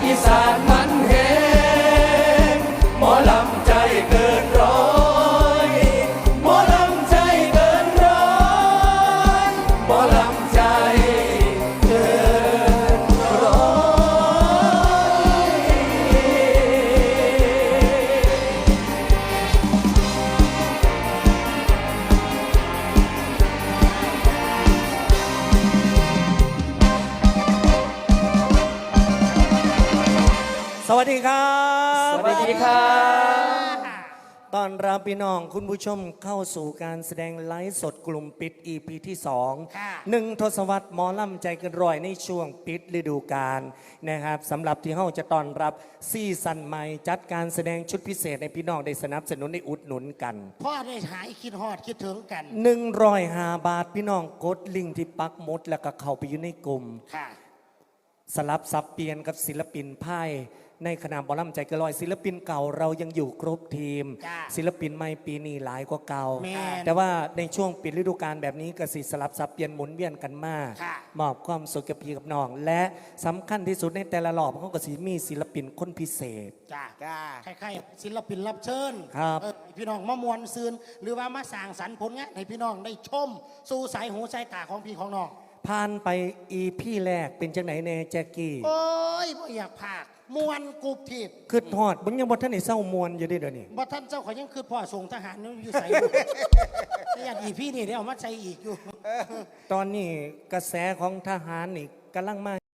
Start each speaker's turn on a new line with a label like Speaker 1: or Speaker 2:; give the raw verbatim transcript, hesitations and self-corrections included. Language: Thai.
Speaker 1: อีสานมันแหงหมอลำใจเกินร้อยหมอลำใจเกินร้อยหมอลำใจเกินร้อย
Speaker 2: สวัสดีครับ
Speaker 1: สวัสดีครับ
Speaker 2: ตอนรับพี่น้องคุณผู้ชมเข้าสู่การแสดงไลฟ์สดกลุ่มปิด อี พี ที่สองหนึ่งทศวรรษหมอลำใจเกินร้อยในช่วงปิดฤดูกาลนะครับสำหรับที่เฮาจะต้อนรับซีซั่นใหม่จัดการแสดงชุดพิเศษในพี่น้องได้สนับสนุนได้อุดหนุนกัน
Speaker 3: พ่อได้หายคิดฮอดคิดถึงกัน
Speaker 2: หนึ่งร้อยห้าบาทพี่น้องกดลิงก์ที่ปักหมดแล้วก็เข้าไปอยู่ในกลุ่ม
Speaker 3: ค่ะ
Speaker 2: สลับสับเปลี่ยนกับศิลปินไพ่ในคณะหมอลำใจเกนลอยศิลปินเก่าเรายังอยู่ครบทีม
Speaker 3: จ้า
Speaker 2: ศิลปินใหม่ปีนี้หลายกว่าเก่า
Speaker 3: แม่น
Speaker 2: แต่ว่าในช่วงปิดฤดูกาลแบบนี้ก็สิสลับสับเปลี่ยนหมุนเวียนกันมาก
Speaker 3: ค่ะ
Speaker 2: มอบความสุขกับพี่กับน้อง และสำคัญที่สุดในแต่ละรอบเขาก็สิมีศิลปินคนพิเศษ
Speaker 3: จ้าจ้าคล้ายๆศิลปินรับเชิญ
Speaker 2: ครับ
Speaker 3: เออให้พี่น้องมามวนซืนหรือว่ามาสร้างสรรค์ผลงานให้พี่น้องได้ชม สู่สายหูสายตาของพี่ของน้อง
Speaker 2: ผ่านไปอีพี่แรกเป็นจังไหนแน่แจ็กกี้
Speaker 3: โอ้ยบ่อยากพากมวนกูผิด
Speaker 2: คือทอดมึงยังบ่ท่านได้เศร้ามวนอยู่เด้เดี๋ยวนี้
Speaker 3: บ่ท่านเจ้าเขายังคือพ่อส่งทหารนี่อยู่ใส่ นี่อย่างอีพี่นี่เดี๋ยวเอามาใส่อีกอยู่
Speaker 2: ตอนนี้กระแสของทหารนี่กำลังมา